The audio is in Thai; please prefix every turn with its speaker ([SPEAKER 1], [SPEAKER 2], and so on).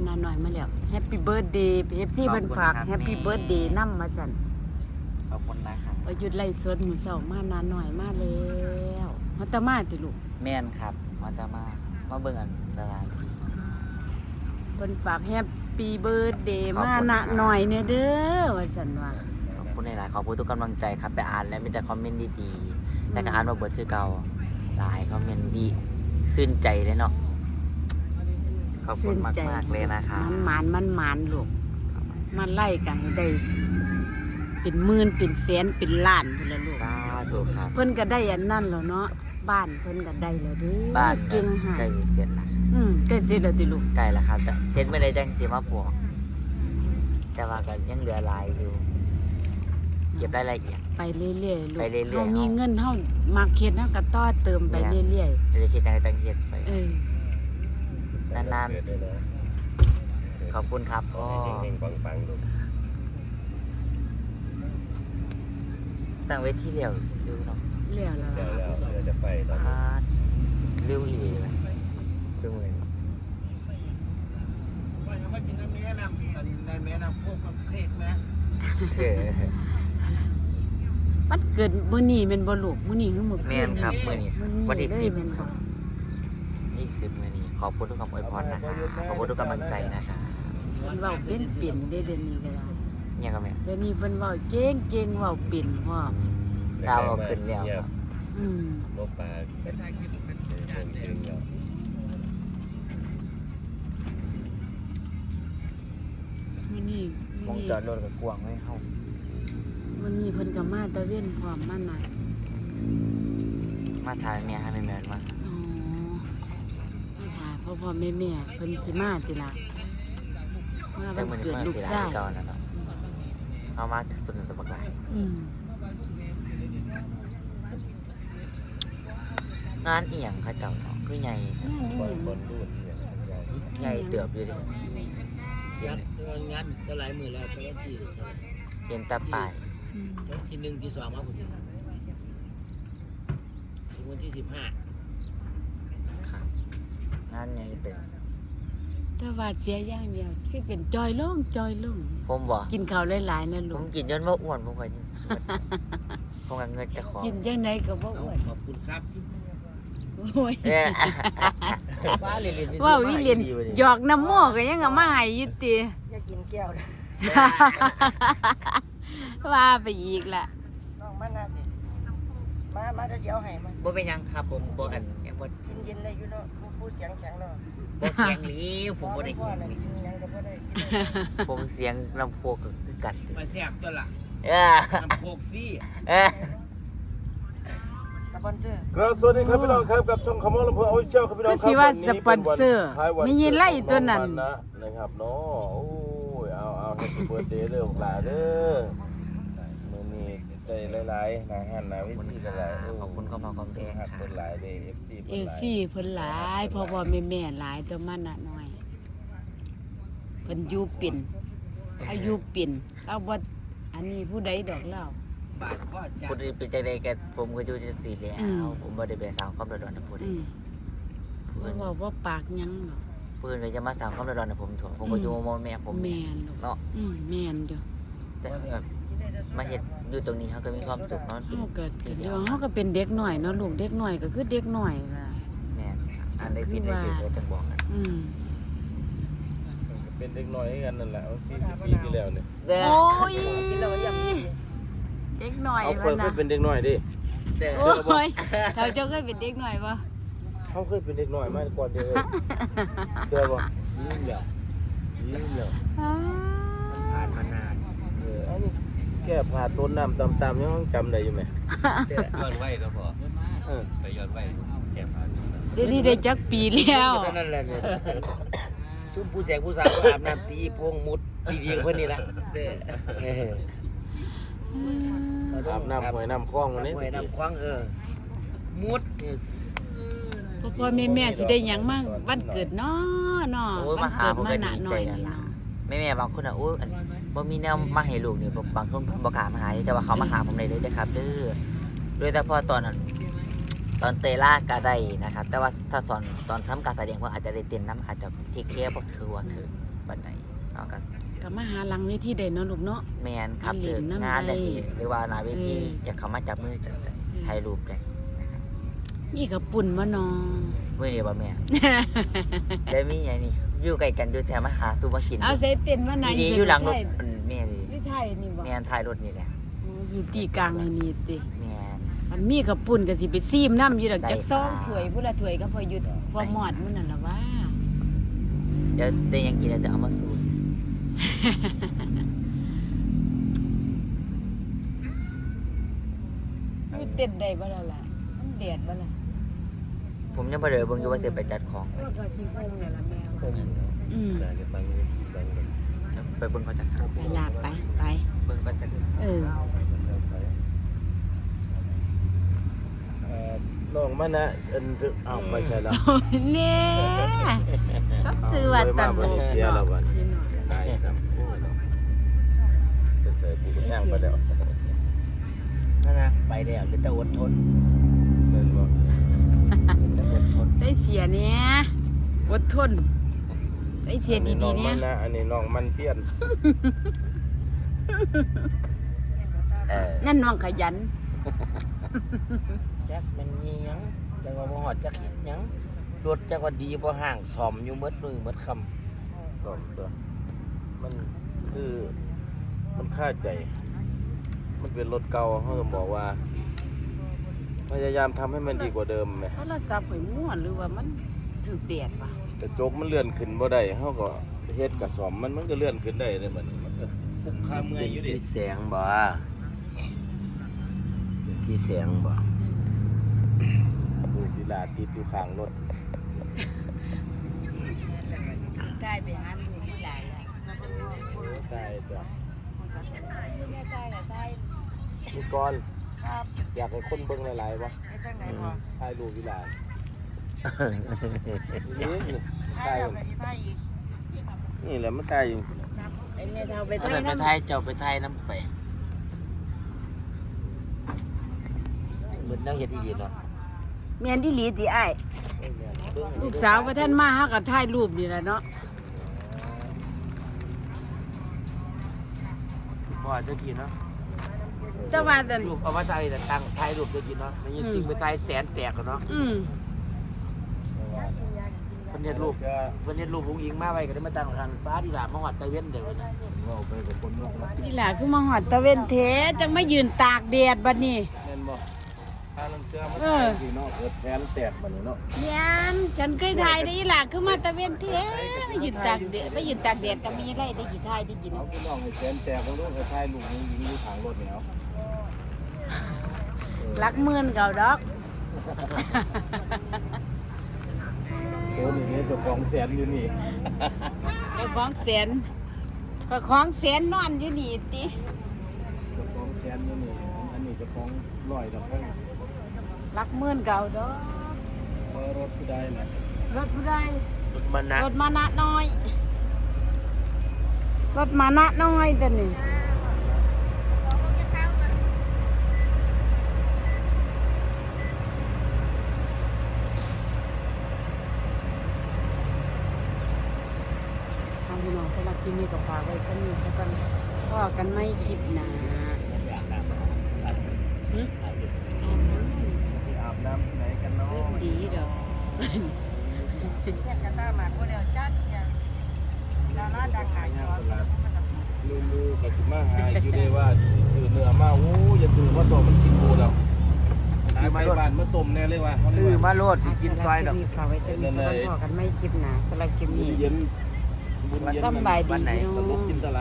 [SPEAKER 1] น้าหน่อยมาแล้วแฮปปี้เบิร์ธเดย์ FC เพิ่นฝากแฮปปี้เบิร์ธเดย์นำมาสั่น
[SPEAKER 2] ขอบคุณนะครับ
[SPEAKER 1] หยุดไล่สดมื้อเช้ามาน้าหน่อยมาแล้วมาตะมาติลูก
[SPEAKER 2] แม่นครับมาจะมาเบิ่งอันดาราที่
[SPEAKER 1] เพิ่นฝากแฮปปี้เบิร์ธเดย์มาน้าหน่อยเนี่ยเด้อว่าซั่นว่า
[SPEAKER 2] ขอบคุณหลายๆขอบคุณทุกกำลังใจครับไปอ่านแล้วมีแต่คอมเมนต์ดีๆแต่ก็อ่านมาเบิดคือเก่าหลายคอมเมนต์ดีชื่นใจเลยเนาะขอบคุณมากๆเลยนะครับ
[SPEAKER 1] มันลูกมาไล่กันให้ได้เป็นหมื่นเป็นแสนเป็นล้านพุ่นละลูก
[SPEAKER 2] สาธุครับ
[SPEAKER 1] เพิ่นก็ได้อันนั้นแล้วเนาะบ้านเพิ่นก็ได้แล้วเด้อ
[SPEAKER 2] บ้าน
[SPEAKER 1] เก่งหา
[SPEAKER 2] ใกล้เสร็จแล้ว
[SPEAKER 1] ใกล้เสร็จแล้วติลูก
[SPEAKER 2] ใกล้แล้วครับแต่เสร็จไม่ได้จังสิมาปลวกแต่ว่าก็ยังเหลือหลายอยู่เก็บรายละเอียด
[SPEAKER 1] ไปเรื่อยๆลูก
[SPEAKER 2] ไปเรื่อยๆ
[SPEAKER 1] เฮามีเงินเฮามาเฮ็ดเฮาก็ต่อเติมไปเรื่อย
[SPEAKER 2] ไม่ได้คิดอะไรตั้งเฮ็ดไป
[SPEAKER 1] ๆ
[SPEAKER 2] นานๆขอบคุณครับพ่อตั้งไว้ที่เดียวเร็วเนาะ
[SPEAKER 1] เลี้ยวแล้วล่ะ
[SPEAKER 3] จะไปตอน
[SPEAKER 2] พาดเร็วอีเลยช่วงเลย
[SPEAKER 3] ว่าจะมากินน้ำแม่น้ำในแม่น้ำพวกกับเค้กนะ
[SPEAKER 2] เชื่อ
[SPEAKER 1] มันเกิดมื้อนี้แม่นบ่ลูกมื้อนี้คือมื้อคืน
[SPEAKER 2] แม่นครับมื้อนี้วันที่
[SPEAKER 1] เลย
[SPEAKER 2] 10
[SPEAKER 1] แม่น
[SPEAKER 2] ค
[SPEAKER 1] บ่
[SPEAKER 2] รับ20มื้อนี้ขอบคุณทุกคำอวยพรนะครับขอบคุณทุกกำลังใจนะครับ
[SPEAKER 1] เพิ่นเว้าเป็นเด้เดี๋ยวนี้ก็ได้
[SPEAKER 2] เนี่ยก็แม่
[SPEAKER 1] เดี๋ยวนี้เพิ่นเว้าเก่งๆเว้าเป็นพร้อม
[SPEAKER 2] ดาวเอาขึ้นแล้วครับ
[SPEAKER 3] โลกปลาเป็นทางคิดเป็นจริงแล้ว
[SPEAKER 1] มื้อนี้
[SPEAKER 2] มองจอดรถกับกวางไม่เข้า
[SPEAKER 1] มื้อนี้เพิ่นก็มาตะเว้นพร้อมมาน่ะ
[SPEAKER 2] มาทายแม่ให้แม่แม่มา
[SPEAKER 1] อ๋อมาถ่ายพ่อแม่เพิ่นสิมาติล่ะว่า
[SPEAKER 2] แต่
[SPEAKER 1] วัน
[SPEAKER 2] มื้อนี้
[SPEAKER 1] เกิด
[SPEAKER 2] มา
[SPEAKER 1] ลูก
[SPEAKER 2] ที่
[SPEAKER 1] ชา
[SPEAKER 2] ร้าย นเก่าแล้วเนาะเอามาสุดตัวบักหลาย
[SPEAKER 1] อืม
[SPEAKER 2] งานเอียงเขาเจ้าเนาะคือใหญ่
[SPEAKER 3] บอลบอลรูดเนี่ยสัญญาณ
[SPEAKER 2] ใหญ่เติบอยู่ดิ
[SPEAKER 4] ยัดงานก็หลายมือแล้วแต่ว่าที่
[SPEAKER 2] เห็นแตาป่าย
[SPEAKER 1] อืม
[SPEAKER 4] ที่หนึ่งที่สองมาผมถึงวันที่15
[SPEAKER 2] ครับงานใหญ่เติบ
[SPEAKER 1] แต่ว่าเสียอย่างเดียวคือเป็นจอยลง
[SPEAKER 2] ผมบ่
[SPEAKER 1] กินข้าวหลายๆนะ
[SPEAKER 2] ผ
[SPEAKER 1] ลู
[SPEAKER 2] ม
[SPEAKER 1] ก
[SPEAKER 2] กินจนว่าอ้วนผมก็ยังผมก็เงินจะขอ
[SPEAKER 1] กินจังไดก็บ่อ้วน
[SPEAKER 4] ขอบคุณครับ
[SPEAKER 1] โอ้ย
[SPEAKER 2] เอ้ย
[SPEAKER 4] บ้าเรียน
[SPEAKER 1] ว้าววิเลียนหยอกน้ำหม้อก็ยังเอามาให้อยู่ติ
[SPEAKER 2] อยากกินแก้วนะ
[SPEAKER 1] ว่าไปอีกล่ะ
[SPEAKER 5] น้องมานาสิมาจะเสียวให้มัน
[SPEAKER 2] บ่เป็นหยังครับผมบ่อันยังบ่
[SPEAKER 5] กินเย็นได้อยู่เนาะผู้เสียงแข็งเนาะ
[SPEAKER 2] บ่เคียงหลีผมบ่ได้
[SPEAKER 5] พ่อ
[SPEAKER 2] เคียง
[SPEAKER 5] น่ะ
[SPEAKER 2] หลี
[SPEAKER 5] กินหยังก็บ่ได้
[SPEAKER 2] ผมเสียงลำโพงก็คือกัน
[SPEAKER 4] มาแซ่บตัวละ
[SPEAKER 2] เอ้ย
[SPEAKER 4] น้ำโคกฟรี
[SPEAKER 2] เอ้ย
[SPEAKER 5] สปอนเซอร์
[SPEAKER 3] ครับสวัสดีครับพี่น้องครับกับช่องคำว่าลำพูนเอาเชียวครับพี่น้อง
[SPEAKER 1] คือสิว่าสปอนเซอร์ไม่ยินไล่ตัวนั้น
[SPEAKER 3] นะครับเนาะโอ้ยเอาแฮปปี้เบิร์ธเดย์เด้อของหลานเด้อมื้อนี้ได้หลายๆหน้าหันหน้าวิธีกันหลาย
[SPEAKER 2] ขอบคุณเข้ามาคอมเพลง
[SPEAKER 3] หัก
[SPEAKER 2] ค่ะ
[SPEAKER 3] คนหลายเด้
[SPEAKER 1] เอ
[SPEAKER 3] FC
[SPEAKER 1] ซี่เพิ่นหลายพ่อแม่หลายแต่มันน่ะน้อยเพิ่นอยู่เป็นอายุเป็นเราบ่อันนี้ผู้ใดดอกเล่า
[SPEAKER 4] บาทก็จั
[SPEAKER 2] พูดเป็นจังได๋ก็ผมก็อยู่จังซี่แหล้
[SPEAKER 1] อืม
[SPEAKER 2] วผมบ่ได้ไปสร้างความเดือดร้อนให้ผู้ใด
[SPEAKER 1] อืม
[SPEAKER 2] ผู้
[SPEAKER 1] เพิ่
[SPEAKER 2] อื่
[SPEAKER 1] น
[SPEAKER 2] น
[SPEAKER 1] บอกว่าปากหยังดอก
[SPEAKER 2] ผู้อื่นก็จะมาสร้างความเดือดร้อนให้ผมถั่วผมก็อยู่มอแม่ผม
[SPEAKER 1] แม่นลูก
[SPEAKER 2] เนาะ
[SPEAKER 1] แม่นอยู่
[SPEAKER 2] แต่แบบมาเฮ็ดอยู่ตรงนี้เขาก็มีความสุขเนาะ
[SPEAKER 1] เฮาก็เฮาก็เป็นเด็กน้อยเนาะลูกเด็กน้อยก็คือเด็กน้อยล่ะ
[SPEAKER 2] แม่นครับอันใดผิดได้ถูกก็จังบอกกัน
[SPEAKER 1] อืม
[SPEAKER 3] เป็นเด็กน้อยกันนั่นแหละ40 ปีที่แล้วเนี่ย
[SPEAKER 2] เด้อ
[SPEAKER 1] โอ้ยเด็กน้อย
[SPEAKER 3] เอา
[SPEAKER 1] พุ่น
[SPEAKER 3] เค
[SPEAKER 1] น่ะ
[SPEAKER 3] ยเป็นเด็กน้อยดิ
[SPEAKER 2] เด้อ
[SPEAKER 1] โอ้ยเขาเจ้าเคยเป็นเด็กน้อยบ่
[SPEAKER 3] เขาเคยเป็นเด็กน้อยมาก่อนเด้อเชื่อบ่
[SPEAKER 4] ยืมแล้ว
[SPEAKER 3] ยิ้มแล้ว
[SPEAKER 1] อ้า
[SPEAKER 4] ผ่านมานาน
[SPEAKER 3] อันนี้แก้ผ่าต้นน้ำตามๆยังจำได้อยู่ไหม
[SPEAKER 6] ย้อนไว้ก็พอ
[SPEAKER 3] เออ
[SPEAKER 6] ไปย้อนไว้แก้ผ้า
[SPEAKER 1] เดี๋ยวนี้ได้จักปีแล้ว
[SPEAKER 4] นั่นแหละเนี่ยซุ่มผู้แสงผู้สาวอาบน้ำตีโป่งมุดตีเดียงเพื่อนนี่ละ
[SPEAKER 2] เด้อ
[SPEAKER 3] อาบน้ำหวยน้ำคลองวันนี้
[SPEAKER 4] หวยน้ำคว้างมุด
[SPEAKER 1] พ่อแม่สิได้หยังมั่งวันเกิดเนาะ
[SPEAKER 2] โอ้ย
[SPEAKER 1] วั
[SPEAKER 2] มาน หา
[SPEAKER 1] เกิด
[SPEAKER 2] ผม
[SPEAKER 1] มา
[SPEAKER 2] ก็
[SPEAKER 1] หนา
[SPEAKER 2] ดี
[SPEAKER 1] หน่
[SPEAKER 2] ใจ
[SPEAKER 1] อย
[SPEAKER 2] นั่น
[SPEAKER 1] นี่
[SPEAKER 2] ล่ะ
[SPEAKER 1] เนาะ
[SPEAKER 2] แม่บางคนอ่ะโอ้ยอันบ่มีแนวมาให้ลูกนี่บางคนบ่กล้ามาหาแต่ว่าเขามาหาผมได้เลยเด้อครับเด้อโดยเฉพาะตอนนั้นตอนเตล่าก็ได้นะครับ แต่ว่าถ้าตอนทำการแสดงเพิ่นอาจจะได้เต้นน้ำอาจจะเทคแคร์บ่ถือว่าถือบัดไหนเอากัน
[SPEAKER 1] ก็มาหาหลังเวทีได้เนาะลูกเนาะ
[SPEAKER 2] แมนครับ
[SPEAKER 1] ไปเล่
[SPEAKER 2] เลิ
[SPEAKER 1] น
[SPEAKER 2] ก
[SPEAKER 1] น้ำ
[SPEAKER 2] งานได้
[SPEAKER 1] ได้
[SPEAKER 2] หรือว่าหนาเวที
[SPEAKER 1] เออ
[SPEAKER 2] อยากเข้ามาจับมือจับถ่ายรูปได้นะครับ
[SPEAKER 1] มีกระปุ่นบ่น้อง
[SPEAKER 2] มื้อนี้บ่แม่ ได้มีอย่างนี้อยู่ใกล้กันอยู่แถวมาหาสู่มากิน
[SPEAKER 1] เอาใส่เต้นมาไหน
[SPEAKER 2] ดีๆอยู่หลังรถแม่นี่
[SPEAKER 1] นี่ไทยนี่บ่
[SPEAKER 2] แม่นท้ายรถนี่แหละ
[SPEAKER 1] โอ้อยู่ตีกลางไอ้นี่ติ
[SPEAKER 2] แม่น
[SPEAKER 1] อันมีกระปุ่นก็สิไปซีมน้ำอยู่ดอก
[SPEAKER 2] ได้
[SPEAKER 1] จักซอง
[SPEAKER 2] ค่ะ
[SPEAKER 1] ถ้วยพุ่นละถ้วยก็พอหยุดพอหมอดมื้อนั่นล่ะว่า
[SPEAKER 2] เดี๋ยวได้หยังกินแล้วจะเอามาสู่
[SPEAKER 1] อยู่เต้นได้บ่ล่ะล่ะมันแดดบ่ล่ะ
[SPEAKER 2] ผมยังบ่ได้เบิ่งอยู่ว่าสิไปจัดของ
[SPEAKER 1] โอ้ยก็สิคงนั่นล่ะแม่ว่าอืม
[SPEAKER 3] งานกันบางเวทีบางเลย
[SPEAKER 2] ไปเบิ่งเขาจัดครับ
[SPEAKER 1] ไปลาไปไป
[SPEAKER 2] เบิ่งกันจัด
[SPEAKER 1] เออ
[SPEAKER 3] น้องมันนะเอาไปใช่แล้ว
[SPEAKER 1] โอ้ยเน่สับซื้อว่าตัน
[SPEAKER 3] เสียแล้ววันตายซ้ำไปใส่ปูกระย่างไปแล้ว
[SPEAKER 4] นั่นนะไปแล้วเหลือแต่อดทน
[SPEAKER 3] เล่นบ่
[SPEAKER 4] เหลือแต่อดทน
[SPEAKER 1] ใส่เสียเนี่ยอดทนใส่เสียดีๆเนี่ย
[SPEAKER 3] อันนี้น้องมันเปลี่ยน
[SPEAKER 1] นั่นน้องขยัน
[SPEAKER 4] จักมันมีหยังจักว่าบ่ฮอดจักเฮ็ดหยังรถจักว่าดีบ่ห่างซ่อมอยู่หมดมือหมดคำ
[SPEAKER 3] สองตัวมันคือมันค่าใจ มันเป็นรถเก่าเขาต้องบอกว่า พยายามทำให้มันดีกว่าเดิมไหม
[SPEAKER 1] โทรศัพท์ข่อยม่วนหรือว่ามันถูกแดดป่ะ
[SPEAKER 3] แต่โจกมันเลื่อนขึ้นบ่ได้เขาก็เฮ็ดกับสอมมันก็เลื่อนขึ้นได้เลยมันก็คุ้มค่าเมื่อยอยู่ดิ
[SPEAKER 4] ที่แสงบ่เป็นที่แสงบ่
[SPEAKER 3] ดูดีลาติดอยู่ข้างรถ
[SPEAKER 1] ใกล้ไปหาหนูที่หลายแล้ว
[SPEAKER 3] ใช่จ้ะ
[SPEAKER 1] แม่ใกล้กับใกล้
[SPEAKER 3] มีก่อนอยากให้คนเบิ่งหลายๆวะ
[SPEAKER 5] ไปจังไหนพอ
[SPEAKER 3] ถ่ายรูปดีลา
[SPEAKER 5] ถ้าเราไปที่ไทยอีก
[SPEAKER 3] นี่แหละมันถ่ายอยู่
[SPEAKER 1] ไอ้แม่เฒ่าไป
[SPEAKER 4] เอา
[SPEAKER 1] ไทย
[SPEAKER 4] แต่ไป
[SPEAKER 1] น้ำ
[SPEAKER 4] ไทยเจ้าไปไทยนำไปเหมือนแนวเฮ็ดอีหลีเนาะ
[SPEAKER 1] แม่นที่หลีติอ้ายลูกสาวว่าท่านมาหาก็ถ่ายรูปนี่แหละเนาะ
[SPEAKER 4] พ่อจะกินเนาะ
[SPEAKER 1] แต่ว่าแต่
[SPEAKER 4] รูปเอามาถ่ายแต่ตั้งถ่ายรูปจะกินเนาะมันยังจริงไปถ่ายแสนแตกกันเนาะ
[SPEAKER 1] อืม
[SPEAKER 4] เพิ่นเฮ็ดรูปอุ้งอิงมาไว้ก็ได้มาตั้งกันฟ้าดีหลามาฮอดตะเวนเด้อนะ
[SPEAKER 3] เราไปกับคนนอกนะ
[SPEAKER 1] นี่ล่ะคือมาหอดตะเวนเทจังมายืนตากแดดบัดนี้
[SPEAKER 3] แม่นบ่ถ้าลำเชื่อมัน
[SPEAKER 1] เออ
[SPEAKER 3] สิเนาะเกิดแสนแตกบัดนี้เนาะ
[SPEAKER 1] แม่นฉันเคยถ่ายได้อีหล่ะคือมาตะเวนเทมายืนตากแดดมายืนตากแดดก็มีไรได้กี่ถ่ายได้กิน
[SPEAKER 3] เอาพี่น้องให้แสนแตกบ่รู้ให้ถ่ายรูปยิงอยู่ข้างรถนี่เอา
[SPEAKER 1] หลักหมื่นเก่าดอก
[SPEAKER 3] โอ้นี่เจ้าของแสนอยู่นี่
[SPEAKER 1] เจ้าของแสนก็ของแสนนอนอยู่นี่ติ
[SPEAKER 3] เจ้าของแสนอยู่นี่อันนี้เจ้าของร้อยดอกเพิ่น
[SPEAKER 1] หลักหมื่นเก่าดอก
[SPEAKER 3] เบอร์รถผู้ใดน่ะ
[SPEAKER 1] รถผู้ใด
[SPEAKER 4] รถมันนะ
[SPEAKER 1] รถมานะน้อย รถมานะน้อยแต่นี่ทางพี่น้องสำหรับคลิปนี้ก็ฝากไว้สักนิดสักกันพ่อกันไม่คลิปหนาหึ
[SPEAKER 3] อาบน้ำที่ไหนกันเนาะ
[SPEAKER 1] เรื่องดีดอก
[SPEAKER 5] แค่กระต้าหมากคนเดียวจัดเนี่ยดาราดังหายจอ
[SPEAKER 3] ลือกับสิมาหาอยู่ได้ว่าซื้อเนื้อมาโอ้อย่าซื้อว่าตัวมันกินกูแล้วซื้อไม้บ้านมาต้มแน่เลยว่ะ
[SPEAKER 4] ซื้อมาโลดกินซอยดอก
[SPEAKER 1] ฝากไว้สักนิดสักกันพ่อกันไม่คลิปหนาสำหรับคลิปนี้
[SPEAKER 3] เย็นบุญเย็น
[SPEAKER 1] สำบายดี
[SPEAKER 3] ตลกกินตลาด